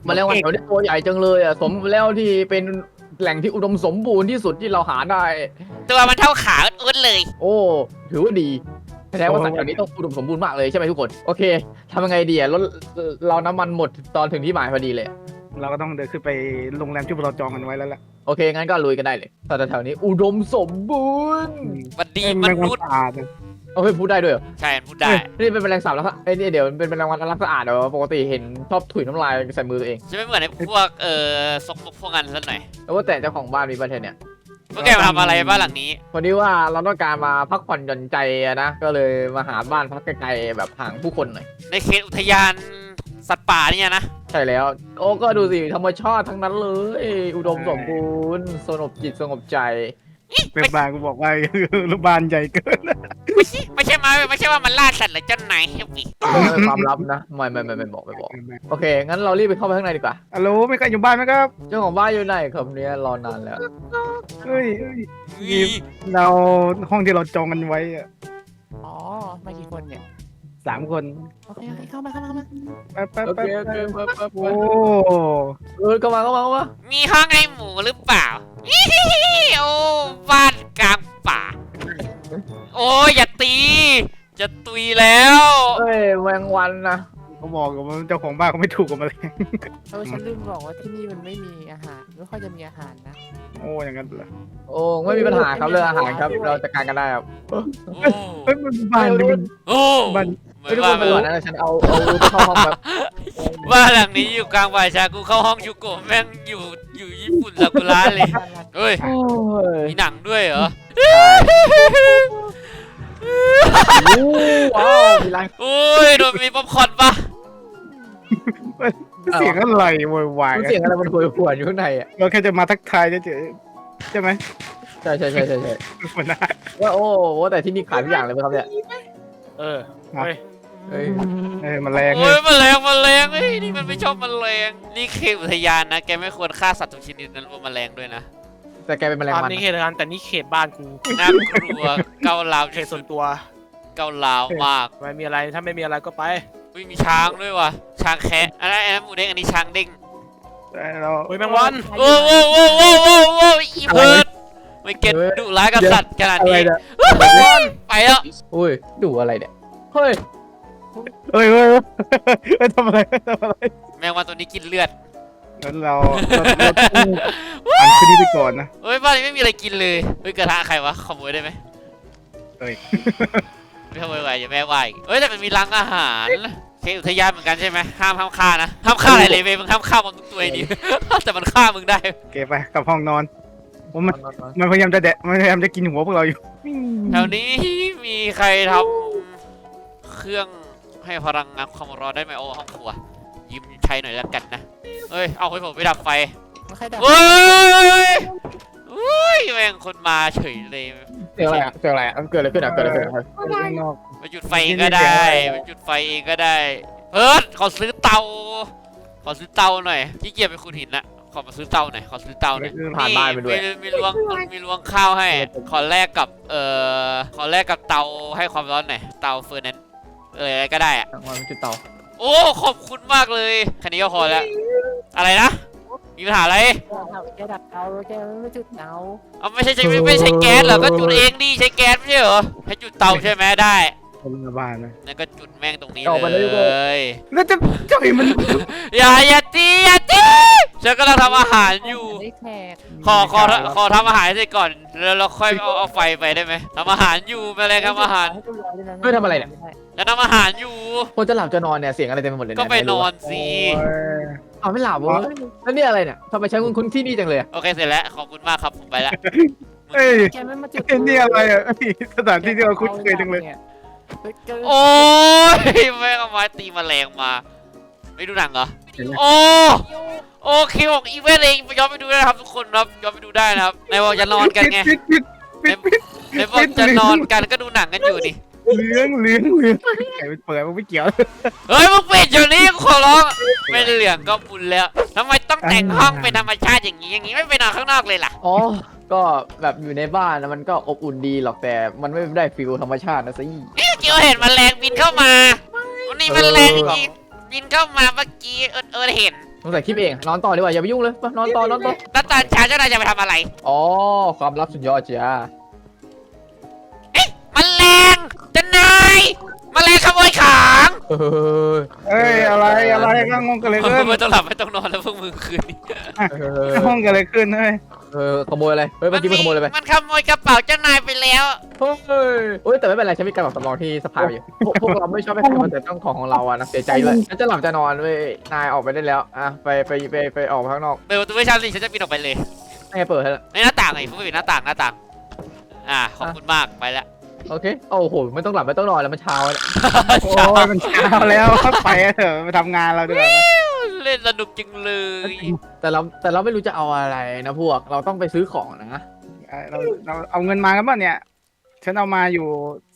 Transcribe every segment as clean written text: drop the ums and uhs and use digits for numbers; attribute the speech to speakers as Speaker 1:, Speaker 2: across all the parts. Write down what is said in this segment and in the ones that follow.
Speaker 1: แมลงวันแถวนี้ตัวใหญ่จังเลยอ่ะสมแล้วที่เป็นแหล่งที่อุดมสมบูรณ์ที่สุดที่เราหาได้
Speaker 2: ตัวมันเท่าขาอุดเลย
Speaker 1: โอ้ถือว่าดีแสดงว่าสัตว์แถวนี้ต้องอุดมสมบูรณ์มากเลยใช่ไหมทุกคนโอเคทำยังไงดีอ่ะรถเราน้ำมันหมดตอนถึงที่หมายพอดีเลย
Speaker 3: เราก็ต้องเดินขึ้นไปโรงแรมที่เราจองกันไว้แล้วแหละ
Speaker 1: โอเคงั้นก็ลุยกันได้เลยสัตว์แถวนี้อุดมสมบูรณ์
Speaker 2: มันดี
Speaker 3: แม
Speaker 2: มัน
Speaker 3: งวัน
Speaker 2: นุษย์
Speaker 3: สะอาดนะ
Speaker 1: โอเคพูดได้ด้วยเหรอ
Speaker 2: ใช่พูดได้
Speaker 1: นี่เป็นแมลงสาบแล้วไอ้นี่เดี๋ยวเป็นแมลงวันรักสะอาดเหรอปกติเห็นชอบถุยน้ำลายใส่มือตัวเอง
Speaker 2: จะไม่เหมือนไอ้พวกซกมกพวกนั้นสักหน่อย
Speaker 1: แล้วว่าแต่เจ้าของบ้านมีประเทศเนี่ย
Speaker 2: พวกแกมาทำอะไรบ้านหลังนี้
Speaker 1: พอดีว่าเราต้องการมาพักผ่อนหย่อนใจอะนะก็เลยมาหาบ้านพักไกลๆแบบห่างผู้คนหน่อย
Speaker 2: ในเขตอุทยานสัตว์ป่าเนี่ยนะ
Speaker 1: ใช่แล้วโอ้ก็ดูสิธรรมชาติทั้งนั้นเลย อุดมสมบูรณ์สงบจิตสงบใจ
Speaker 3: เป็นบ้านกูบอกว่า รูปบ้านใหญ่เกิน
Speaker 2: ไม่ใช่ว่ามันล่าสัตว์หรือเจ้านายเฮฟวี่
Speaker 1: เป็นความลับนะไม่บอกโอเคงั้นเรารีบไปเข้าไปข้างในดีกว่า
Speaker 3: ฮัลโหลไม่ใครอยู่บ้านไหมครับ
Speaker 1: เจ้าของบ้านอยู่ไหนครับเนี่ยรอนานแล้ว
Speaker 3: เฮ้ยเราห้องที่เราจองกันไว้อะ
Speaker 4: อ๋อมากี่คนเนี่ย
Speaker 3: 3 คน
Speaker 4: โอเคเข้ามา
Speaker 3: ไป
Speaker 1: โอเคไป
Speaker 3: โอ้
Speaker 1: เข้ามา
Speaker 2: มีห้องให้หมูหรือเปล่าโอ้บ้านกลางป่า โอ้ยอย่าตีจะตุยแล้ว
Speaker 1: เอ้ยแมงวันนะ
Speaker 3: เขาบอกกับว่าเจ้าของบ้านเขาไม่ถูกกับมันเลย
Speaker 4: ฉันลืมบอกว่าที่นี่มันไม่มีอาหารไม่ค่อยจะมีอาหารนะ
Speaker 3: โอ้อย่างนั้นเหรอ
Speaker 1: โอ้ไม่มีปัญหาครับเรื่องอาหารครับเราจัดการกันได้ครับ
Speaker 2: โอ้
Speaker 3: เฮ้ยมันบ้านนี่มัน
Speaker 2: โอ้
Speaker 3: บ้าน
Speaker 2: ไม่
Speaker 1: ไม่ทุก
Speaker 2: ว่า
Speaker 1: คนไปก่อนนะฉันเอาเข้าห้องแบบ
Speaker 2: บ้านหลังนี้อยู่กลางป่าชากูเข้าห้องยูโกะแม่งอยู่ญี่ปุ่นซากุระเลยเฮ้ย
Speaker 1: โอ้ย
Speaker 2: มีหนังด้วยเหรอ
Speaker 1: ว้าวมีร้าน
Speaker 2: โอ้ยโดนมีป๊อปคอร์นปะ
Speaker 3: เสียงอะไรโวยวาย
Speaker 1: เสียงอะไรมันหวนอยู่ข้างในอ่ะ
Speaker 3: เราแค่จะมาทักทายเฉยๆใช่ไหม
Speaker 1: ใช่
Speaker 3: มันน่า
Speaker 1: ว่าโอ้แต่ที่นี่ขายทุกอย่างเลยไหมครับเนี่ย
Speaker 5: เออเฮ้ย
Speaker 1: เฮ้ย
Speaker 3: มันแรง
Speaker 2: โอ้ยแมลงเฮ้ยนี่มันไม่ชอบแมลงนี่เขตอุทยานนะแกไม่ควรฆ่าสัตว์ทุกชนิดนั้นรวมแมลงด้วยนะ
Speaker 1: แต่แกเป็นแมลง
Speaker 5: ตอน
Speaker 1: วัน
Speaker 5: นี้เขตงานแต่นี่เขตบ้านกู
Speaker 2: น่ากลัวเกาลาว
Speaker 5: เขตส่วนตัว
Speaker 2: เกาลาวมาก
Speaker 5: ไม่มีอะไรถ้าไม่มีอะไรก็ไป
Speaker 2: อุ้ยมีช้างด้วยว่ะช้างแคะอันนั้นหมูเด้งอันนี้ช้างเด้ง
Speaker 3: เรา
Speaker 5: เฮ้ยแมงวัน
Speaker 2: โอ้อีเพิร์ดไม่เก็ตดุร้ายกับสัตว์ขนาด
Speaker 1: อะไร
Speaker 2: นี้
Speaker 1: เนี่ย
Speaker 2: ไปแล้ว
Speaker 1: อุ้ยดูอะไรเนี่ยเฮ้ย
Speaker 3: เฮ้ยทำอะไรทำอะไร
Speaker 2: แมงวันตัวนี้กินเลือด
Speaker 3: งั้นเราต้องอ่านคืนนี้ไปก่อนนะ
Speaker 2: เฮ้ยบ้านนี้ไม่มีอะไรกินเลยเฮ้ยกระทะใครวะขโมยได้ไหม
Speaker 3: เฮ้ย
Speaker 2: ไม่ขโมยไหวอย่าแม่ไหวเฮ้ยแต่มันมีร้านอาหารเขตอุทยานเหมือนกันใช่ไหมห้ามฆ่านะห้ามฆ่าอะไรเลยเว้ยมึงห้ามฆ่ามันทุกตัวดี แต่มันฆ่ามึงได้
Speaker 3: เก็บไปกลับห้องนอนมันพยายามจะมันพยายามจะกินหัวพวกเราอยู่
Speaker 2: แถวนี้มีใครทำเครื่องให้พลังงานความร้อนได้ไหมโอ้ห้องครัวยืมใช้หน่อยแล้วกันนะเฮ้ยเอาให้ผมไปดับไฟ
Speaker 4: ไม่ค่อยดับ
Speaker 2: เฮ้ยเฮ้ยแม่งคนมาเฉยเลย
Speaker 1: เสียงอะไรอ่ะเกิดอะไรขึ้นอ่ะ
Speaker 3: ข้างนอก
Speaker 2: มาจุดไฟเองก็ได้มาจุดไฟเองก็ได้เพิร์ดขอซื้อเตาหน่อยขี้เกียจไปขุดหินละขอมาซื้อเตาหน่อยขอซื้อเตาหน่อย
Speaker 1: ผ่านบ้านไปด้วย
Speaker 2: มีลวงข้าวให้ขอแลกกับเตาให้ความร้อนหน่อยเตาเฟอร์นันอะไรก็ได้อะ
Speaker 1: มันจุดเตา
Speaker 2: โอ้ขอบคุณมากเลยแค่นี้ก็พอแล้วอะไรนะมีปัญหาอะไร
Speaker 4: แกดับเตาแกไม่จุดเตา
Speaker 2: เอาไม่ใช่แก๊สเหรอก็จุดเองดิใช้แก๊สไม่ใช่เหรอให้จุดเตาใช่ไหมได้
Speaker 3: คนละบ้านนะ
Speaker 2: นั่นก็จุดแม่งตรงนี้
Speaker 1: เอาไปเลย
Speaker 2: เลย
Speaker 3: แล้วจะมัน
Speaker 2: อย่าตีฉันกำลังทำอาหารอยู่
Speaker 4: ได้แขก
Speaker 2: ขอทำอาหารเสร็จก่อนแล้วเราค่อยเอาไฟไปได้ไหมทำอาหารอยู่แมลงทำอาหาร
Speaker 1: เฮ้ยทำอะไรเนี่ย
Speaker 2: จะทำอาหารอยู่
Speaker 1: คนจะหลับจะนอนเนี่ยเสียงอะไรเต็มไปหมดเลย
Speaker 2: ก็ไปนอนสิ
Speaker 1: เอาไม่หลับวะแล้วนี่อะไรเนี่ยทำไมใช้คุ้นที่นี่จังเลย
Speaker 2: โอเคเสร็จแล้วขอบคุณมากครับผมไปละ
Speaker 3: เฮ้ย
Speaker 4: แกไม่มาจุด
Speaker 3: นี่อะไรอ่ะสถานที่ที่เราคุ้นเคยจังเลย
Speaker 2: โอ้ยแม่งเอาไม้ตีแมลงมาไม่ดูหนังเหรอโอเคของอีเวนต์เองย้อนไปดูได้นะครับทุกคนครับย้อนไปดูได้นะครับในบอกจะนอนกันไงในบอกจะนอนกันก็ดูหนังกันอยู่ดิ
Speaker 3: เลี้ยงไก่เปิดมันไม่เกี่ยว
Speaker 2: เฮ้ยมึงปิดอยู่นี่ขอร้องไม่เหลืองก็บุญแล้วทำไมต้องแต่งห้องเป็นธรรมชาติอย่างนี้ไม่ไปนอนข้างนอกเลยล่ะ
Speaker 1: อ๋อก็แบบอยู่ในบ้านนะมันก็อบอุ่นดีหรอกแต่มันไม่ได้ฟิลธรรมชาตินะสิ
Speaker 2: เกี่ยวเห็นแมลงบินเข้ามาวันนี้แมลงอีกบินเข้ามาเมื่อกี้เอิร์ดเห็น
Speaker 1: สงสัยคลิปเองนอนต่อดีกว่าอย่าไปยุ่งเลยไปนอนต่อนอนต่อ
Speaker 2: แล้วตอนเช้าเจ้านายจะไปทำอะไร
Speaker 1: อ๋อความลับสุดยอดจ้า
Speaker 2: แมลงเจ้านายแมลงขโมยของ
Speaker 1: เฮ้ย
Speaker 3: อะไรข้างห้องกันเลยขึ้น
Speaker 2: ไม่ต้องหลับไม่ต้องนอนแล้วพวกมึงคืนนี้
Speaker 3: ข้างห้องกันเลยขึ้นเฮ้ย
Speaker 1: ขโมยอะไรเฮ้ยเมื่อกี้มันขโมยอะไรไป
Speaker 2: มันขโมยกระเป๋าเจ้านายไปแล้ว
Speaker 1: เฮ้ยแต่ไม่เป็นไรฉันมีการแบบสำรองที่สภาอยู่พวกเราไม่ชอบให้ใครมาแต่ต้องของเราอะนะเสียใจด้วยฉันจะหลับจะนอนเว้ยนายออกไปได้แล้วอ่ะไปออกข้างนอก
Speaker 2: เปิดประตูให้ฉันสิฉันจะปีนออกไปเลย
Speaker 1: ให้เปิดให้ละ
Speaker 2: ในหน้าต่างไงเพิ่งปิดหน้าต่างขอบคุณมากไปแล้ว
Speaker 1: โอเคโอ้โหไม่ต้องหลับไม่ต้องนอนแล้วมันเช้าแล้ว
Speaker 3: โอ้ยมันเช้าแล้วไปเถอะไปทำงานเราดีกว่า
Speaker 2: เล่นสนุกจังเลย
Speaker 1: แต่เราไม่รู้จะเอาอะไรนะพวกเราต้องไปซื้อของนะ
Speaker 3: เราเอาเงินมากันป่ะเนี่ยฉันเอามาอยู่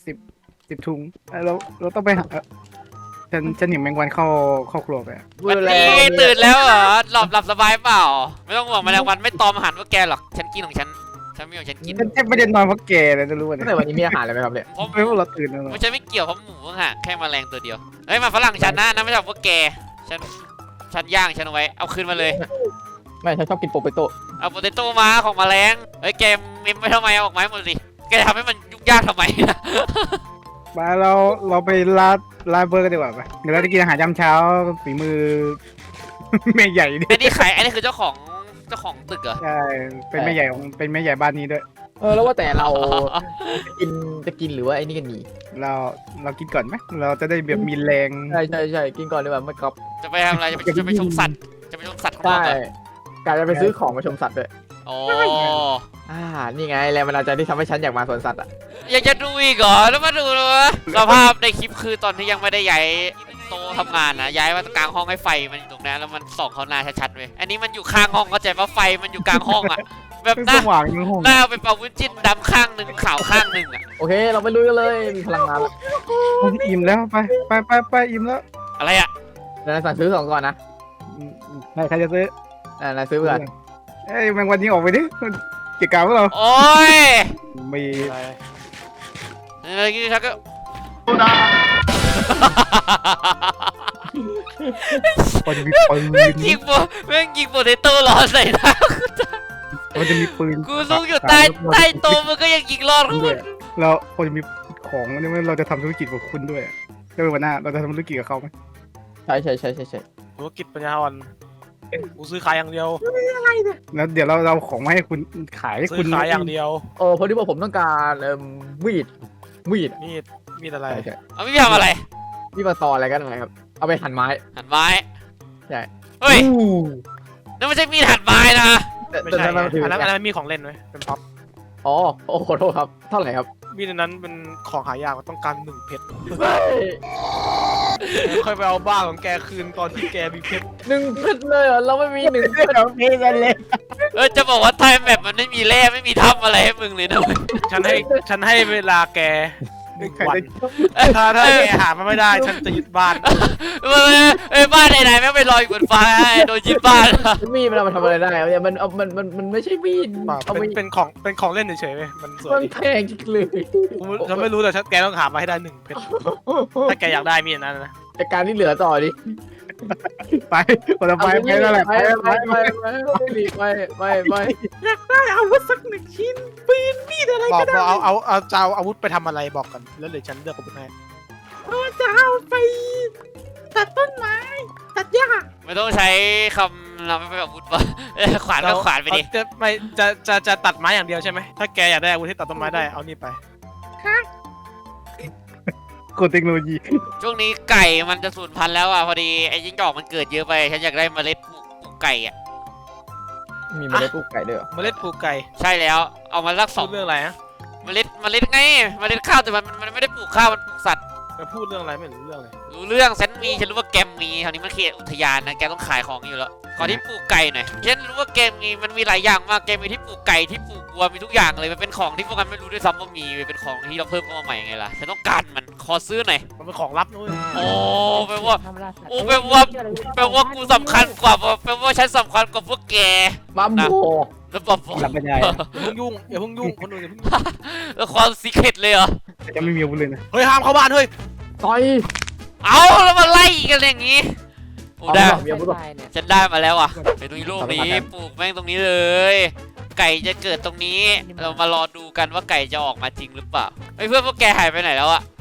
Speaker 3: 10ถุงเราต้องไปหาฉันเห็นแมงวันเข้าครัวไป
Speaker 2: วันนี้ตื่นแล้วเหรอหลับสบายเปล่าไม่ต้องห่วงแมลงวันไม่ตอมอาหารพวกแกหรอกฉันกินของฉันไม่ของฉันกิน
Speaker 3: ฉันไม่ได้นอนเพราะแกเลยจะรู้ว่า
Speaker 1: ตั้
Speaker 3: เนี่ย
Speaker 1: งแต่วันนี้มีอาหารอะไรไหมครับเนี่ย
Speaker 2: เพราะ
Speaker 3: ไม่ว่าเราตื่นแล้ว
Speaker 2: ไม่ใช่ไม่เกี่ยวเพราะหมูฮะแค่แมลงตัวเดียวเฮ้ยมาฝรั่งฉันนะไม่ใช่พวกแกฉันย่างฉันเอาไว้เอาคืนมาเลย
Speaker 1: ไม่ฉันชอบกินโปเปโต้
Speaker 2: เอาโปเตโต้มาของแมลงเฮ้ยแกเมมไม่ทำไมเอาออกมาให้หมดสิแกทำให้มันยุ่งยากทำไม
Speaker 3: มาเราไปร้านเบอร์กันดีกว่าไปเดี๋ยวเราจะกินอาหารยามเช้าฝีมือ แม่ใหญ่ดิ
Speaker 2: อันนี้คือเจ้าของตึกเหรอ
Speaker 3: ใช่เป็นแม่ใหญ่เป็นแม่ใหญ่บ้านนี้ด้วย
Speaker 1: แล้วว่าแต่เราจะกินหรือว่าไอ้นี่กันดี
Speaker 3: เรากินก่อนไหมเราจะได้แบบมีแรง
Speaker 1: ใช่กินก่อนดีกว่าไม่ครับ
Speaker 2: จะไปทำอะไรจะไปชมสัตว์ข้างนอก
Speaker 1: ใช่
Speaker 2: เหรอก
Speaker 1: ะจะไปซื้อของมาชมสัตว์ด้วย
Speaker 2: อ๋อ
Speaker 1: นี่ไงแรงบันดาลใจที่ทำให้ฉันอยากมาสวนสัตว์อ่ะ
Speaker 2: อยากจะดูอีกเหรอแล้วมาดูเลยวะสภาพในคลิปคือตอนที่ยังไม่ได้ย้ายโต๊ะทำงานนะย้ายมากลางห้องให้ไฟมันอยู่ตรงนั้นแล้วมันส่องเข้าหน้าชัดๆเว้ยอันนี้มันอยู่ข้างห้องเข้าใจปะไฟมันอยู่กลางห้องอ่ะแบบ
Speaker 3: เป็น
Speaker 2: หน้า
Speaker 3: สว่างในห้อง
Speaker 2: หน้าเป็นเป่าวุ้นจิ้นดำข้างหนึ่งขาวข้างหนึ่งอ่ะ
Speaker 1: โอเคเราไปลุยกันเลยมีพลังงานแล้ว
Speaker 3: อิ่มแล้วไปอิ่มแล้ว
Speaker 2: อะไรอ่ะ
Speaker 1: เดี๋ยวสั่งซื้อของก่อนนะ
Speaker 3: ใครจะซื้อน
Speaker 1: ายซื้อก่อน
Speaker 3: เอ้ยแมงวันนี้ออกไปดิเกี่ยวกับเรา
Speaker 2: โอ้ย
Speaker 3: มี
Speaker 2: อะไรกี้ชักก็
Speaker 3: มันจะมีปืน
Speaker 2: ยิงโปเตโต้ร้อนใส่หน้า
Speaker 3: มันจะมีปืน
Speaker 2: กูซุกอยู่ใต้โต๊ะมันก็ยังยิงรอดกู
Speaker 3: แล้วมันจะมีของนี่เราจะทำธุรกิจกับคุณด้วยก็เป็นวันหน้าเราจะทำธุรกิจกับเขาไหม
Speaker 1: ใช่
Speaker 5: ธุรกิจปัญญาอ่อนกูซื้อขายอย่างเดียว
Speaker 3: แล้วเดี๋ยวเราของมาให้คุณขายให้
Speaker 5: ซื้
Speaker 3: คุ
Speaker 5: อ
Speaker 3: ณ
Speaker 5: ขายอย่างเดียว
Speaker 1: พอดีว่าผมต้องการวีด
Speaker 5: มีดอะไร
Speaker 1: ใช่
Speaker 2: เอาไม่ทำอะไร
Speaker 1: มีดมาตออะไรกันอะไรครับเอาไปหั่นไม้
Speaker 2: หันไม้
Speaker 1: ใช่
Speaker 2: เฮ้ยนั่นไม่ใช่มีดหันไม้นะ
Speaker 5: ไม่ใช่
Speaker 1: แต่ถือ
Speaker 5: อันนั้นมีของเล่นไหมเป็นพ็อป
Speaker 1: อ๋อขอโทษครับเท่าไหร่ครับ
Speaker 5: มีดอันนั้นเป็นของหายากมันต้องการ1 เพชร
Speaker 1: เฮ้ย
Speaker 5: ค่อยไปเอาบ้าของแกคืนตอนที่แกมีเพชร
Speaker 1: 1 เพชรเลยเหรอเราไม่มี1 เพชร
Speaker 3: เราเพกันเลย
Speaker 2: จะบอกว่าไทม์แมปมันไม่มีแร่ไม่มีถ้ำอะไรให้มึงเลยนะเว้ย
Speaker 5: ฉันให้เวลาแก
Speaker 3: ใคร
Speaker 5: วัน
Speaker 3: จะ
Speaker 5: ถ้าแกหามาไม่ได้ฉันจะยึดบ้าน
Speaker 2: บ้านไหนๆแม่งไปลอยอยู่บนฟ้าโดนยึดบ้าน
Speaker 1: มีดมันเอามาทำอะไรได้เนี่ยมันไม่ใช่มีดเอาไป
Speaker 5: เป็นของเล่นเฉยๆเว้ยมันสว
Speaker 1: มั
Speaker 5: ย
Speaker 1: นแพงจริงเลย
Speaker 5: ฉันไม่รู้แต่แกต้องหามาให้ได้1 เพชรถ้าแกอยากได้มีดนั้นนะ
Speaker 1: แต่การที่เหลือต่อดิ
Speaker 3: ไปคนละไปแล้วแหละ
Speaker 1: ไป
Speaker 3: เอาวัสัก1 ชิ้นปืนมีดอะไร
Speaker 5: บอก
Speaker 3: ก็ได้
Speaker 5: เอาจะเอาอาวุธไปทำอะไรบอกกันแล้วเดี๋ยวฉันเลือกอาวุธให้
Speaker 3: จะเอาไปตัดต้นไม้ตัดหญ้า
Speaker 2: ไม่ต้องใช้คำเราไม่ไปอาวุธวะขวานก็ขวานไปดิ
Speaker 5: จะตัดไม้อย่างเดียวใช่ไหมถ้าแกอยากได้อาวุธที่ตัดต้นไม้ได้เอานี่ไป
Speaker 3: กดเทคโนโลยี
Speaker 2: ช่วงนี้ไก่มันจะสูญพันธุ์แล้วอ่ะพอดีไอ้จิ้งจอกมันเกิดเยอะไปฉันอยากได้เมล็ดปลูกไก่อ่ะ
Speaker 1: มีเมล็ดปลูกไก่ด้วยเหรอ
Speaker 5: เมล็ดปลูกไก่
Speaker 2: ใช่แล้วเอามาสัก
Speaker 5: พูดเรื่องอะไรฮะ
Speaker 2: เมล็ดไงเมล็ดข้าวแต่มันไม่ได้ปลูกข้าวมันปลูกสัตว์
Speaker 5: จะพูดเรื่องอะไรไม่รู้เรื่องเลย
Speaker 2: รู้เรื่องฉันรู้ว่าแกมมีคราวนี้มันเขตอุทยานนะแกต้องขายของอยู่แล้วขอที่ปลูกไก่หน่อยฉันรู้ว่าแกมีหลายอย่างมากแกมีที่ปลูกไก่ที่ปลูกวัวมีทุกอย่างเลยมันเป็นของที่พวกกันไม่รู้ด้วยซ้ำว่ามีเป็นของที่เราเพิ่มเข้ามาใหม่ไงล่ะฉันต้องการมันขอซื้อหน่อย
Speaker 5: มันเป็นของลับนู้น
Speaker 2: โอ้แปลว่า
Speaker 4: ทำราสัตว์
Speaker 2: โอ้แปลว่ากูสำคัญกว่าแปลว่าฉันสำคัญกว่าพวกแก
Speaker 1: บัมโบ
Speaker 2: แล้วบอก
Speaker 3: รับไม่ได้
Speaker 5: อย่าเพิ่งยุ่งคนอื่นอย่าเพิ่งยุ่ง
Speaker 2: แล้วความซีเครตเลยเหรอ
Speaker 3: จะไม่มีอาวุธเลยนะ
Speaker 5: เฮ้ยห้ามเข้าบ้านเฮ้ย
Speaker 1: ต่อย
Speaker 2: เอาแล้วมาไล่กันอย่างงี้โอ้ได้
Speaker 1: เดี๋ยวพูดว่า
Speaker 4: เนี่ย
Speaker 2: ฉันได้มาแล้วอ่ะไปตรงนี้ลูกนี้ปลูกแม่งตรงนี้เลย ไก่จะเกิดตรงนี้ เรามารอดูกันว่าไก่จะออกมาจริงหรือเปล่าไอ้เพื่อนพวกแกหายไปไหนแล้วอ่ะ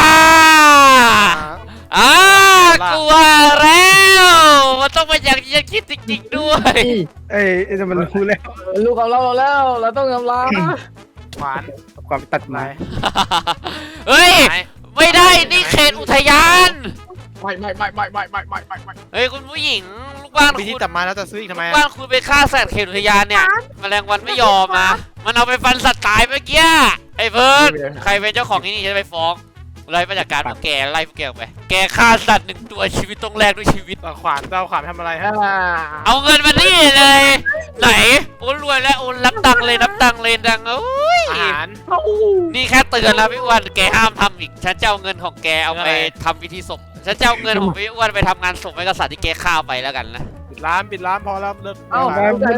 Speaker 2: กลัวแล้วมันต้องเป็นอย่างที่ฉันคิดจริงๆด้วย
Speaker 3: เอ้ยจะมันรู้แล้ว
Speaker 1: ลูกของเราแล้ว เราต้องยอมรับ
Speaker 5: หวาน
Speaker 3: ความตัดไม้
Speaker 2: เฮ้ยไม่ได้นี่เขตอุทยาน
Speaker 1: ไม่
Speaker 2: เฮ้ยคุณผู้หญิงลูกบ้าน
Speaker 5: มี
Speaker 2: คุ
Speaker 5: ที่
Speaker 2: ณ
Speaker 5: จับมาแล้วจะซื้ออีกทำไม
Speaker 2: ลูกบ้านคุณไปฆ่าสัตว์เขตอุทยานเนี่ยแมลงวันไม่ยอมมามันเอาไปฟันสัตว์ตายเมื่อกี้ไอ้เพิร์ดใครเป็นเจ้าของที่นี่ฉันจะไปฟ้องไล่มาจากการพวกแกไล่พวกแกออกไปแกฆ่าสัตว์1 ตัวชีวิตต้องแลกด้วยชีวิต
Speaker 5: เอาขวานทำอะไรฮะ
Speaker 2: เอาเงินมานี่เลย ไหนโอ้รวยแล้วโอ้นับตังค์เลยนับตังค์เลยดังโอ้ย
Speaker 5: อาหาร
Speaker 2: นี่แค่เตือนแล้วพี่อ้วนแกห้ามทำอีกฉันจะเอาเงินของแกเอาไปทำพิธีศพฉันจะเอาเงินของพี่อ้วนไปทำงานศพให้กษัตริย์ที่แกฆ่าไปแล้วกันนะ
Speaker 5: ปิดร้านพอแล้วเลิก
Speaker 1: เอ้า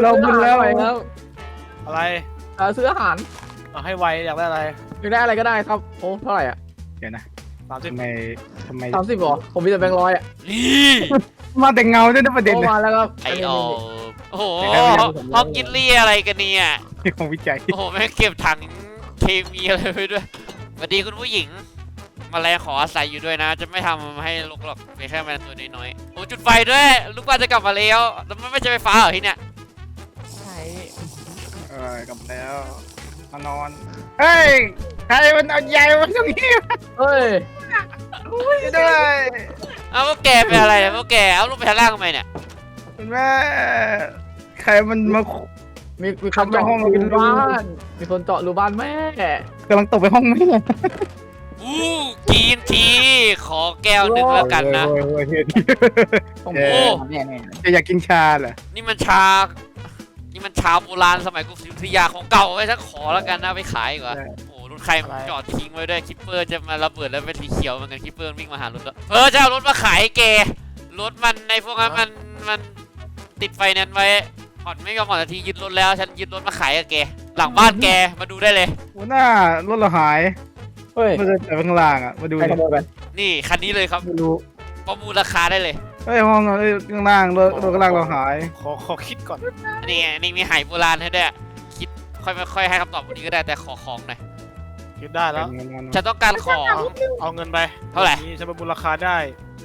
Speaker 5: อะไร
Speaker 1: ซื้ออาหาร
Speaker 5: เอาให้ไวอยากได้อะไร
Speaker 1: อยากได้อะไรก็ได้ครับโอ้เท่าไหร่อ่ะ
Speaker 3: เดี๋ยวนะ
Speaker 5: 30
Speaker 3: ทำไม
Speaker 1: 30หรอผมมีแต่แบงค์100อ่ะ
Speaker 2: นี่
Speaker 3: มาแต่เงาด้วยนะประเด็น
Speaker 1: โอ้
Speaker 3: เนี่ย
Speaker 1: มาแล้วครับ
Speaker 2: ไอโอ้โหห้องกินเลี่ยอะไรกันเนี่ย
Speaker 3: ของวิจัย
Speaker 2: โอ้โหแม่งเก็บถังเคมีอะไรไปด้วยสวัสดีคุณผู้หญิงแมาแรงขออาศัยอยู่ด้วยนะ จะไม่ทำให้ลกหรอกเป็นแค่แมลงตัวน้อยๆโอ้จุดไฟด้วยลูกบ้านจะกลับมาแล้วแล้วมันไม่ใช่ไฟฟ้าเหรอที่เนี่ย
Speaker 4: ใช่
Speaker 3: กลับแล้วมานอนเฮ้ยใครมันเอาใหญ่มาตรงนี้
Speaker 1: เฮ้ย
Speaker 3: ด้วย
Speaker 2: เอาพวกแกเป็นอะไรเนี่ยพวกแกเอาลูกไปชั้นล่างทำไมเนี่ย
Speaker 3: คุณแม่ใครมันมา
Speaker 1: มีคนเจาะรูบ้านมีคนเจาะรูบ้านแม่
Speaker 3: กำลังตกไปห้องแม่
Speaker 2: อู้กินทีขอแก้วหนึ่งแล้วกันนะ
Speaker 3: โอ้ย
Speaker 1: โอ้
Speaker 3: เอ
Speaker 1: โห
Speaker 3: อจะอยากกินชาเหรอ
Speaker 2: นี่มันชาโบราณสมัยกรุงศรีอยุธยาของเก่าไว้ฉันขอแล้วกันนะไปขายดีกว่าโอ้รถใครมันจอดทิ้งไว้ด้วยคิปเปอร์จะมาระเบิดแล้วเป็นสีเขียวเหมือนกันคิปเปอร์วิ่งมาหารถแล้วจะเอารถมาขายแกรถมันในพวกนั้นมันติดไฟแนนซ์ไว้ผ่อนไม่ยอมผ่อนนาทียึดรถแล้วฉันยึดรถมาขายกับแกหลังบ้านแกมาดูได้เลย
Speaker 3: หัวหน้ารถเราหาย
Speaker 1: เฮ้ย
Speaker 3: มาเดินแต่ข้างล่างอ่ะมาดู
Speaker 1: ใครขโมยไป
Speaker 2: นี่คันนี้เลยครับ
Speaker 3: ไม่รู้
Speaker 2: ประมูลราคาได้เลย
Speaker 3: เฮ้ยห้องข้างล่างรถข้างล่างเราหาย
Speaker 5: ขอคิดก่อน
Speaker 2: นี่ไงนี่มีไหโบราณให้ด้วยคิดค่อยให้คำตอบวันนี้ก็ได้แต่ขอของหน่อย
Speaker 5: คิดได้แล้ว
Speaker 2: ฉันต้องการของ
Speaker 5: เอาเงินไป
Speaker 2: เท่าไหร่
Speaker 5: นี่ฉันประมูลราคาได้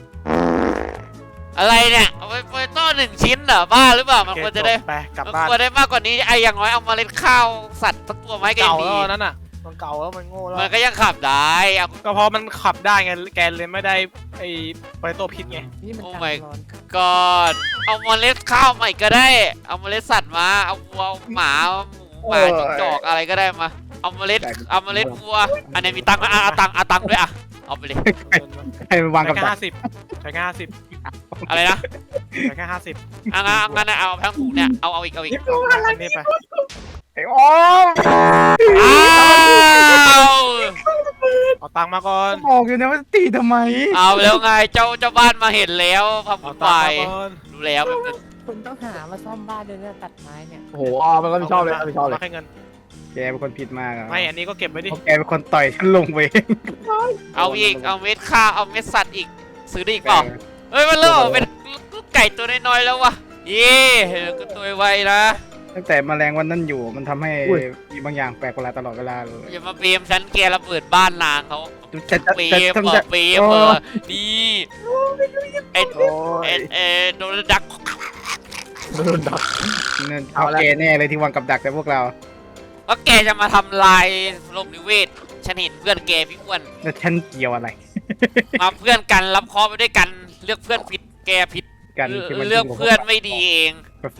Speaker 2: อะไรเนี่ยเอาไปต้อ1 ชิ้นเหรอบ้าหรือเปล่ามัน
Speaker 5: โอ
Speaker 2: ควร
Speaker 5: เค
Speaker 2: จะได้
Speaker 5: จบไปกลับ
Speaker 2: มัน
Speaker 5: บ้าน
Speaker 2: ควรได้มากกว่านี้ไอ้อย่างน้อยเอาเมล็ดข้าวสัตว์สักตัวมาให้แก
Speaker 5: เก่า
Speaker 2: ดี
Speaker 5: แล้วนั่นน่ะมันเก่าแล้วมันโง่แล้ว
Speaker 2: มันก็ยังขับได้เอา
Speaker 5: ก็เพราะมันขับได้ไงแกเลยไม่ได้ไอ้โปเตโต้พิษไง
Speaker 4: นี่มัน
Speaker 2: โอ้
Speaker 4: การ
Speaker 2: my
Speaker 4: ร้อน
Speaker 2: ก่อนเอาเมล็ดข้าวใหม่ก็ได้ เอาเมล็ดสัตว์มาเอาวัวเอาหมาเอาหมูหมาจิ้งจอกอะไรก็ได้มาเอาเมล็ดวัวอันนี้มีตังค์ไหมเอาตังค์ด้วยอะเอาไปเลย
Speaker 3: ใครมาวาง
Speaker 5: ใช้
Speaker 3: กับ
Speaker 5: แค่
Speaker 3: ดัก
Speaker 5: 50ใช้แค่50
Speaker 2: อะไรนะ
Speaker 5: ใช้แค่50
Speaker 2: งั้นเอาทั้งหมูเนี่ยเอาอีก
Speaker 5: อันนี้ไป
Speaker 3: ไอ้โอ้
Speaker 2: อ้าว
Speaker 5: เอาตังค์มาก่อน
Speaker 3: บอกอยู่นะว่าตีทำไม
Speaker 2: เอาแล้วไงเจ้าบ้านมาเห็นแล้วพัง
Speaker 5: เอา
Speaker 2: ไป
Speaker 5: ตังค์มาก่อน
Speaker 2: ดูแล้วแบบนึง
Speaker 4: คุณต้องหามาซ่อมบ้านด้วยนะตัดไม้เนี่ย
Speaker 1: โอ้โหมันก็ไม่ชอบเลยไม่ชอบเลย
Speaker 5: าแค่เงิน
Speaker 3: แกเป็นคนผิดมากอ่ะ
Speaker 5: ไม่อันนี้ก็เก็บไว้ดิ
Speaker 3: เพราะแกเป็นคนต่อยฉันลงไป
Speaker 2: เอาอีกเอาเม็ดข้าวเอาเม็ดสัตว์อีกซื้อได้อีกเปล่าเฮ้ยมันเริ่มออกเป็นลูกไก่ตัวน้อยๆแล้ววะเย่ก็ตัวไวนะ
Speaker 3: ตั้งแต่แมลงวันนั้นอยู่มันทำให้มีบางอย่างแปลกประหลาดตลอดเวลาเลย
Speaker 2: อย่ามาเบมฉันแกระเบิดบ้านนางเขา
Speaker 3: จะ
Speaker 2: เบ
Speaker 3: จะ
Speaker 2: มเหร
Speaker 3: จะ
Speaker 2: อเบมเหรอนี่ไอ้
Speaker 3: โอ้ย
Speaker 2: โดนดัก
Speaker 1: โดนดัก
Speaker 3: นั่นเอาแกแน่เลยที่วางกับดักแต่พวกเรา
Speaker 2: ว่าแกจะมาทำลายโลกนิเวศฉันเห็นเพื่อนแกพี่อ้วน
Speaker 3: แล้วฉันเกี่ยวอะไร
Speaker 2: มาเพื่อนกันรับเคราะห์ไปด้วยกันเลือกเพื่อนผิดแกผิด
Speaker 3: กันที่มัน
Speaker 2: เลือกเพื่อนไม่ดีเอง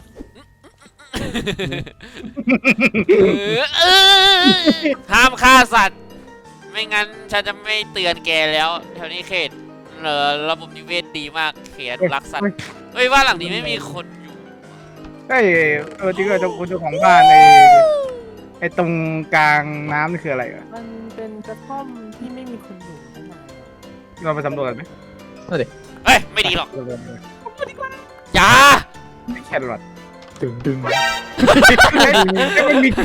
Speaker 2: ห้ามฆ่าสัตว์ ไม่งั้นฉันจะไม่เตือนแกแล้วแถวนี้เขตระบบนิเวศดีมากเขตรักสัตว์เฮ้ยบ้านหลังนี้ไม่มีคนอยู่
Speaker 3: เฮ้ยจริงๆเจ้าของบ้านไอ้ตรงกลางน้ำนี่คืออะไรอ่ะ
Speaker 4: มันเป็นกระท่อมที่ไม่มีคนอยู่ข้างใน
Speaker 3: เราไปสำรวจกันไหม
Speaker 2: เฮ้ยไม่ดีหรอกอย่า
Speaker 3: แครอท
Speaker 1: ดึง
Speaker 3: มันมี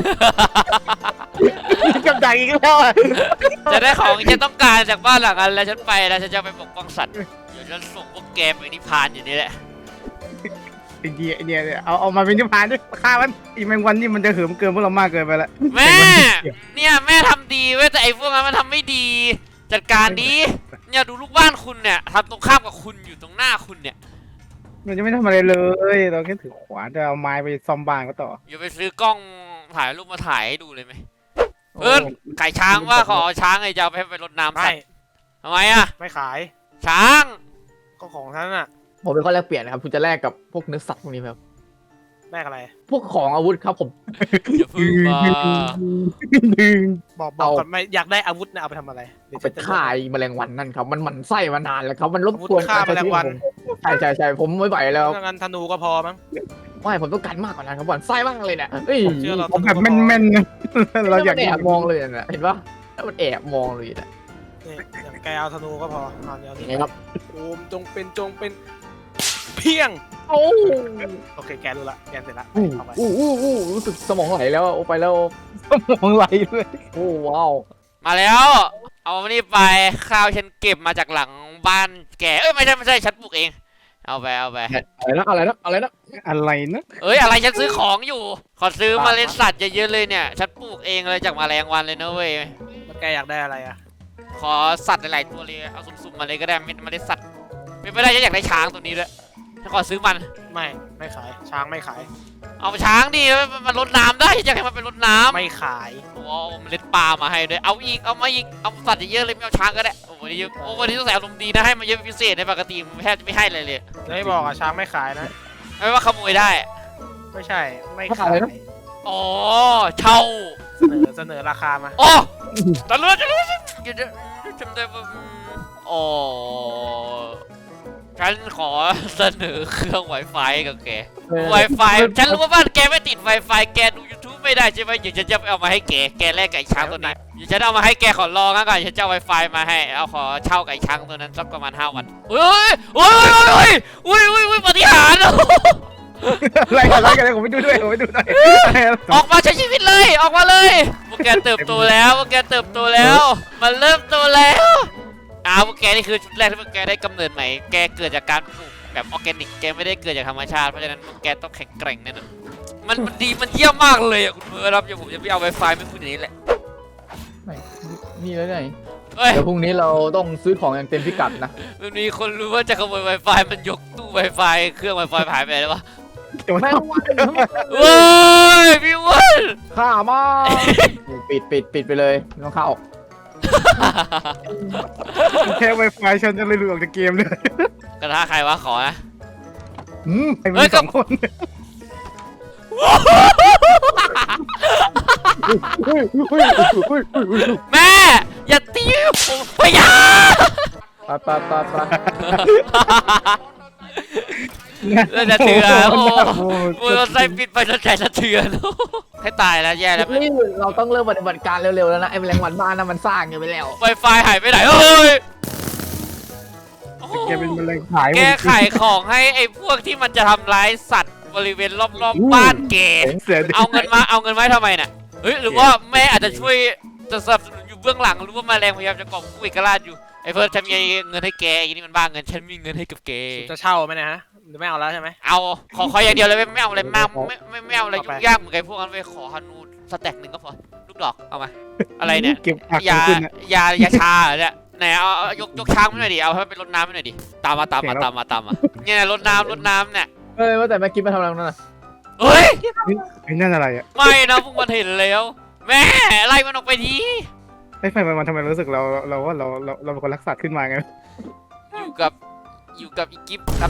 Speaker 3: กับดักอีกแล้วอ่ะ
Speaker 2: จะได้ของที่ฉันต้องการจากบ้านหลังนั้นแล้วฉันไปแล้วฉันจะไปปกป้องสัตว์เดี๋ยวฉันส่งพวกแกไปนิพพานอยู่นี่แหละ
Speaker 3: ไอเดียเอามาเป็นนิพพานด้วยฆ่ามันอีแมงวันนี่มันจะเหิมเกินพวกเรามากเกินไปละ
Speaker 2: แม่เนี่ยแม่ทำดีเว้ยแต่ไอ้พวกนั้นมันทำไม่ดีจัดการดีเนี่ยดูลูกบ้านคุณเนี่ยทำตรงข้ามกับคุณอยู่ตรงหน้าคุณเนี่ย
Speaker 3: มันจะไม่ทำอะไรเลยเราแค่ถือขวานจะเอาไม้ไปซ่อมบ้านก็ต่อ
Speaker 2: อย่าไปซื้อกล้องถ่ายรูปมาถ่ายให้ดูเลยไหมไก่ช้างว่าขอช้างไอ้จะเอาไปให้ไปรดน้ำสั
Speaker 5: ไม่
Speaker 2: ตว์ทำไมอะ
Speaker 5: ไม่ขาย
Speaker 2: ช้าง
Speaker 5: ก็ของท่านน่ะ
Speaker 1: ผมเป็นข้อแลกเปลี่ยนนะครับคุณจะแลกกับพวกเนื้อสัตว์พวกนี้ไหมครับ
Speaker 5: แลกอะไร
Speaker 1: พวกของอาวุธครับผม
Speaker 2: อย่าพึ่งมา
Speaker 5: บอก
Speaker 1: เอา
Speaker 5: ก่อนไม่อยากได้อาวุธนะเอาไปทำอะไรเดี๋ยว
Speaker 1: ไป
Speaker 5: ฉันจะ
Speaker 1: ฆ่าไอ้แมลงวันนั่นครับมันหมั่นไส้มานานแล้วครับมันรบ
Speaker 5: อาวุธ
Speaker 1: กวน
Speaker 5: ฆ่าแมลงวัน
Speaker 1: ใช่ผมไม่ไหวแล้ว
Speaker 5: ถ้างั้นธนูก็พอมั้ง
Speaker 1: ไม่ผมต้องการมากกว่านั้นครับหมั่นไส้มากเลยเนี่ยเฮ้ย
Speaker 5: ผมเชื่อเรา
Speaker 3: เอาแบบแม่นๆนะเราอยาก
Speaker 1: มันแอบมองเลยนะเห็นปะแล้วมันแอบมองเลยนะ
Speaker 5: นี่อย่างแกเอาธนูก็พอเอาเดี๋ยว
Speaker 1: ยัง
Speaker 5: นี้
Speaker 1: ไงครับ
Speaker 5: โอมจงเป็นเพียง
Speaker 1: โอ้
Speaker 5: โอเคแกรู้ละแกเสร็จละ
Speaker 1: อู้
Speaker 5: เอาไป
Speaker 1: รู้สึกสมองไหลแล้วโอ้ไปแล้ว
Speaker 3: มองไหลเลย
Speaker 1: โอ้ว้าว
Speaker 2: มาแล้ว เอามานี่ไปข้าวฉันเก็บมาจากหลังบ้านแกเอ้ยไม่ใช่ฉันปลูกเองเอาไป
Speaker 1: อะไรนะ
Speaker 3: อะไรนะ
Speaker 2: เอ้ยอะไรฉันซื้อของอยู่ ขอซื้อเมล็ดสัตว์เยอะๆเลยเนี่ยฉันปลูกเองเลยจากแมลงวันเลยนะเว้ย
Speaker 5: แล้วแกอยากได้อะไรอ่ะ
Speaker 2: ขอสัตว์หลายๆตัวเลยเอาสุ่มๆมาเลยก็ได้เมล็ดสัตว์ไม่ได้ฉันอยากได้ช้างตัวนี้ด้วยฉันขอซื้อมัน
Speaker 5: ไม่ขายช้างไม่ขาย
Speaker 2: เอาช้างดิมันรดน้ำได้ฉันอยากให้มันเป็นรดน้ำ
Speaker 5: ไม่ขาย
Speaker 2: โอ้เอาเมล็ดปลามาให้ด้วยเอาอีกเอามาอีกเอาสัตว์เยอะๆเลยไม่เอาช้างก็ได้โอ้วันนี้ต้องใส่อารมณ์ดีนะให้มันเยอะเป็นพิเศษในปกติมันแทบจะไม่ให้เลย
Speaker 5: แล้วไม่บอกอ่ะช้างไม่ขายนะ
Speaker 2: ไม่ว่าขโมยได้
Speaker 5: ไม่ใช่ไม่ขาย
Speaker 2: อ๋อเช่า
Speaker 5: เสนอราคามา
Speaker 2: โอ้ตะลุยจำได้ว่าอ๋อฉันขอเสนอเครื่อง Wi-Fi กับแก Wi-Fi ฉันรู้ว่าบ้านแกไม่ติด Wi-Fi แกดู YouTube ไม่ได้ใช่ไหมเดี๋ยวฉันจะเอามาให้แกแลกไก่ช้างตัวนี้เดี๋ยวฉันเอามาให้แกขอลองก่อนฉันจะเอา Wi-Fi มาให้เอาขอเช่าไก่ช้างตัวนั้นสักประมาณ5 วันอุ้ยปฏิหารย์
Speaker 3: อะไรกันผมไปดูด้วย
Speaker 2: ออกมาใช้ชีวิตเลยออกมาเลยพวกแกเติบโตแล้วมันเริ่มโตแล้วพวกแกนี่คือชุดแรกที่พวกแกได้กำเนิดใหม่แกเกิดจากการปลูกแบบออร์แกนิกแกไม่ได้เกิดจากธรรมชาติเพราะฉะนั้นพวกแกต้องแข็งแกร่งแน่นอนมันดีมันเยี่ยมมากเลยคุณเพื่อนครับเดี๋ยวผมจะไปเอา Wi-Fi ไม่พูดอย่างนี้แหละ
Speaker 1: นี่แล้วไง
Speaker 2: เฮ้ย
Speaker 1: เดี๋ยวพรุ่งนี้เราต้องซื้อของอย่างเต็มพิกัดนะ
Speaker 2: มันมีคนรู้ว่าจะขโมย Wi-Fi มันยกตู้ Wi-Fi เครื่อง Wi-Fi หายไปแล้ววะ
Speaker 1: แม่งวัน
Speaker 2: เว้ยพี่อ้วน
Speaker 1: ข้ามาปิดไปเลยไม่ต้องเข้า
Speaker 3: แค่ Wi-Fi ฉันจะเลยหลุดออกจากเกมเลย
Speaker 2: กระทะใครวะขอนะ
Speaker 3: ไอ้มันสองคน
Speaker 2: แม่อย่าตีผมไปยา
Speaker 1: ไป
Speaker 2: แล้วจะเถื่อนโอ้โหเราใส่ปิดไปแล้วใจสะเทือนให้ตายแล้วแย่แล้ว
Speaker 1: นี่เราต้องเริ่มปฏิบัติการเร็วๆแล้วนะไอ้แมลงวันบ้านน่ะมันสร้างอยู่ไปแล้ว
Speaker 2: Wi-Fi หายไปไหนเฮ้ย
Speaker 3: แกเป็นมะเร็งขาย
Speaker 2: แกขายของให้ไอ้พวกที่มันจะทำร้ายสัตว์บริเวณรอบๆบ้านแก
Speaker 3: เสือ
Speaker 2: เอาเงินมาทำไมน่ะเฮ้ยหรือว่าแม่อาจจะช่วยจะสนับสนุนอยู่เบื้องหลังหรือว่าแมลงพยายามจะกอบกู้เอกราชอยู่ไอ้เพิร์ดฉันมีเงินให้แกอย่างนี้มันบ้าเงินฉันมีเงินให้กับแก
Speaker 5: จะเช่าไหมนะฮะหรือไม่เอาแล้วใช่ไหม
Speaker 2: เอาขออย่างเดียวเลยไม่เอาอะไรมากไม่เอาอะไรยุ่งยากเหมือนไอ้พวกนั้นไปขอฮานูสแต็กหนึ่งก็พอลูกดอกเอามาอะไรเนี่ย
Speaker 3: เก็บผัก
Speaker 2: ยา
Speaker 3: ขึ้นนะ
Speaker 2: ยาชาเหรอเนี่ยไหนเอายกช้างมาหน่อยดิเอาให้เป็นรดน้ำให้หน่อยดิตามมาเนี่ยรดน้ำเนี่ย
Speaker 1: เฮ้ยว่าแต่แม่กิ๊บมาทำอะไรตรงนั่นน่ะ
Speaker 2: เฮ้ย
Speaker 3: ไอ้นั่นอะไรอ่ะ
Speaker 2: ไม่นะพวกมันเห็นแล้วแม่ไล่มันออกไปที
Speaker 3: ไอ้ไฟมันทำไมรู้สึกเราเป็นคนรักสัตว์ขึ้นมาไง
Speaker 2: อยู่กับอีกิฟครับ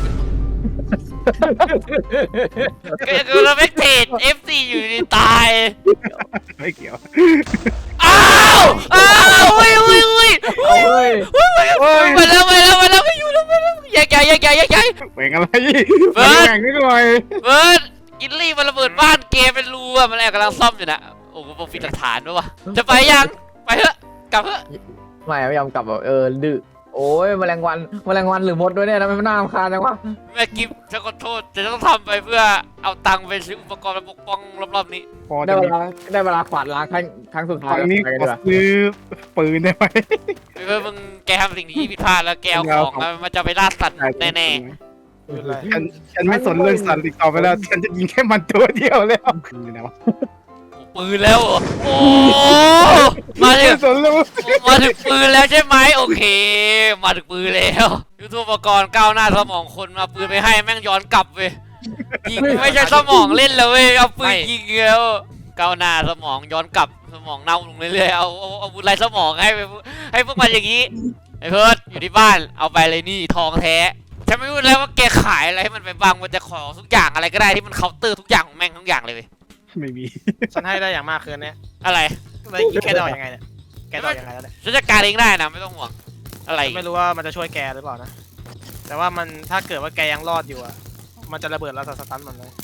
Speaker 2: ก็เราไม่เทรด FC อยู่ดีตาย
Speaker 3: ไม่เกี่ยว
Speaker 2: อ้าวอุ้ย
Speaker 1: เอาเฮ้ย
Speaker 2: มาแล้วไม่อยู่แล้วแยกย้าย
Speaker 3: แหวงอะไรแหวงนิดหน่อย
Speaker 2: เบิร์ดกินลี่มันระเบิดบ้านเกเป็นรูอะมันแอบกำลังซ่อมอยู่นะโอ้โหผมปิดหลักฐานด้วยวะจะไปยังไปเถอะกลับเถอะ
Speaker 1: ไม่ยอมกลับแบบดื้อโอ้ยแมลงวันหรือมดด้วยเนี่ยทำไมมันน่ารำคาญจังวะ
Speaker 2: แม่กิฟจะขอโทษจะต้องทำไปเพื่อเอาตังค์ไปซื้ออุปกรณ์มาปกป้องรอบๆนี้
Speaker 3: พอ
Speaker 1: ได้
Speaker 3: จะ
Speaker 1: เว
Speaker 3: มี
Speaker 1: ลาได้เวลาขวาดล้างครั้งสุดท้าย
Speaker 3: ฝั่งนี้
Speaker 1: ไปกัน
Speaker 3: ข
Speaker 1: ดี
Speaker 3: อก
Speaker 1: ว่า
Speaker 3: ซื้อปืนได้ไหม
Speaker 2: เพื่อมึงแกทำสิ่งที่ผิดพลาดแล้วแกเอาของมันจะไปล่าสัตว์แน่
Speaker 5: ไม่เป็นไร
Speaker 3: ฉันไม่สนเรื่องสันติต่อไปแล้วฉันจะยิงแค่มันตัวเดียวแล้วอยู่ไหนวะ
Speaker 2: ๆปืนแล้วเหรอโอ้มาถึ
Speaker 3: ไม่
Speaker 2: ง
Speaker 3: สนเลย
Speaker 2: มาถึงปืนแล้วใช่ไหมโอเค มาถึงปืนแล้วยุทโธปกรณ์ก้าวหน้าสมองคนมาปืนไปให้แม่งย้อนกลับเว้ยยิงไม่ใช่สมองเล่นแล้วเว้ยเอาปืนยิงแล้วก้าวหน้าสมองย้อนกลับสมองเน่าลงเรื่อยๆเอาอาวุธไรสมองให้พวกมันอย่างนี้ไอ้เพิร์ดอยู่ที่บ้านเอาไปเลยนี่ทองแท้ฉันไม่รู้แล้วว่าแกขายอะไรให้มันไปบ้างมันจะขอทุกอย่างอะไรก็ได้ที่มันเคาน์เตอร์ทุกอย่างของแม่งทุกอย่างเลยเว้ย
Speaker 3: ไม่มี
Speaker 5: ฉันให้ได้อย่างมากคืนนี้
Speaker 2: อะไร
Speaker 5: แล้วแกดอกยังไงเนี่ยแกดอกยังไงแล้วเนี่ย
Speaker 2: ฉันจัดการเองได้นะไม่ต้องห่วงอะไร
Speaker 5: ไม่รู้ว่ามันจะช่วยแกหรือเปล่านะแต่ว่ามันถ้าเกิดว่าแกยังรอดอยู่อ่ะมันจะระเบิดแล้วสตันมันเลย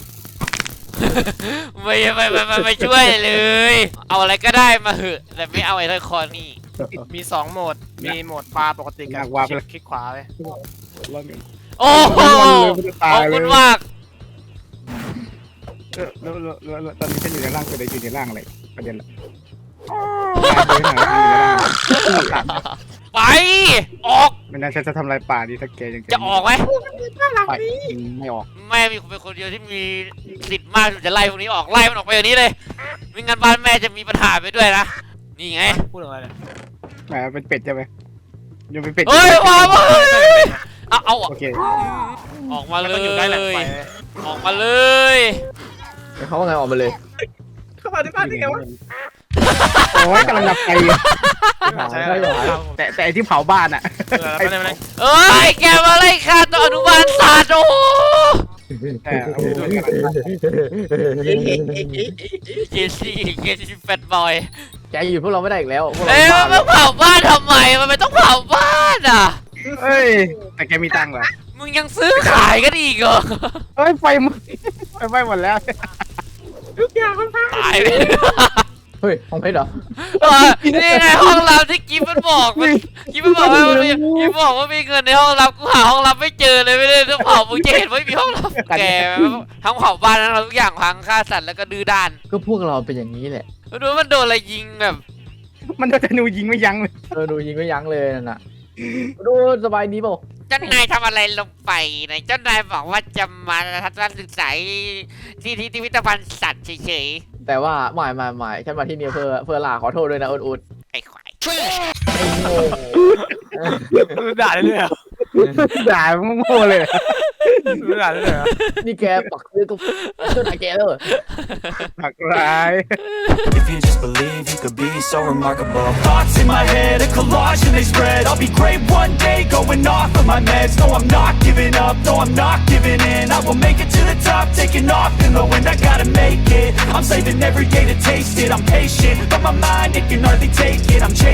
Speaker 2: ไม่ช่วยเลย เอาอะไรก็ได้มาเหอะแต่ไม่เอาไอ้ทอยคอนี่
Speaker 5: มี2โหมดมีโหมดปลาปกติกับคลิกขวาเลย
Speaker 2: โอ้โหขอบคุณมาก
Speaker 3: แล้วตอนนี้ฉันอยู่ในร่างตัวใดอยู่ในร่างอะไรประเด็นละ
Speaker 2: ไปออก
Speaker 3: ไม่น่าฉันจะทำลายป่าดีถ้าแกยัง
Speaker 2: จะออกไหม
Speaker 3: ไปไม่ออก
Speaker 2: แม่มีเป็นคนเดียวที่มีสิทธิ์มากที่จะไล่พวกนี้ออกไล่มันออกไปอย่างนี้เลยไม่งั้นบ้านแม่จะมีปัญหาไปด้วยนะนี่ไง
Speaker 5: พูดถึงอะไรเนี่ย
Speaker 3: แหมเป็นเป็ดใช่ไหมยังเป็นเป็ด
Speaker 2: เฮ้ยว้าวเอา
Speaker 3: โอเค
Speaker 2: ออกมา
Speaker 5: มัน
Speaker 2: เล
Speaker 5: ต้องอยู่ใกล้แหล่งไฟ
Speaker 2: ยออกมาเลย
Speaker 1: เขาว่าไงออกมาเลย
Speaker 5: เข้ามาที่บ้านได้ไงวะ
Speaker 3: โอ้ยกำลังดับไฟ
Speaker 5: ใช่เหรอ
Speaker 3: แต่ไอที่เผาบ้านอ่ะ
Speaker 2: เอ้ยแกมาไล่ฆ่าตัวอนุบาลศาสตร์โอ้ เจซี่แฟตบอย
Speaker 1: แกอยู่พวกเราไม่ได้อีกแล้วพวกเรา
Speaker 2: เอ้ย
Speaker 1: บ้า
Speaker 2: มันเผาบ้านทำไมมันไม่ต้องเผาบ้านอ่ะ
Speaker 3: เฮ้ยแต่แกมีตังค์เหรอ
Speaker 2: มึงยังซื้อขายกันอีกเหรอ
Speaker 3: เฮ้ยไฟไหม้หมดแล้ว
Speaker 2: ตายไป
Speaker 1: เฮ้ยห้องเพชรเหรอ
Speaker 2: นี่ไงห้องรับที่กิ๊บมันบอกมันกิ๊บมันบอกว่ามันมีกิ๊บบอกว่ามีเงินในห้องรับกูหาห้องรับไม่เจอเลยไม่ได้ถ้าเผามึงจะเห็นว่ามีห้องรับแกทั้งเผาบ้านทั้งทุกอย่างพังฆ่าสัตว์แล้วก็ดื้อด้าน
Speaker 1: ก็พวกเราเป็นอย่างนี้แหละ
Speaker 2: ดูมันโดนอะไรยิงแบบ
Speaker 3: มันโดนธนูยิงไม่ยั้งเลย
Speaker 1: ดูยิงก็ยั้งเลยนั่นน่ะดูสบายดีเปล่า
Speaker 2: เจ้านายทำอะไรลงไปนะเจ้านายบอกว่าจะมาทัศนศึกษาที่พิพิธภัณฑ์สัตว์เฉย
Speaker 1: แต่ว่าไม่ฉันมาที่นี่เพื่อลาขอโทษด้วยนะอุด
Speaker 2: ๆไอ้ควาย
Speaker 5: ด่าได้เลยเหรอ
Speaker 3: ด่าโง่เลย
Speaker 5: ด่าได้เลยเหรอ
Speaker 1: นี่แกปักซื้อกับเจ้านายแกเลย
Speaker 3: หักร้าย
Speaker 6: If you just believe you could be so remarkable. Thoughts in my head, a collage and they spread. I'll be great one day, going off of my meds. No, I'm not giving up, no, I'm not giving in. I will make it to the top, taking off in the wind. I gotta make it, I'm saving every day to taste it. I'm patient, but my mind, it can hardly take it. I'm chasing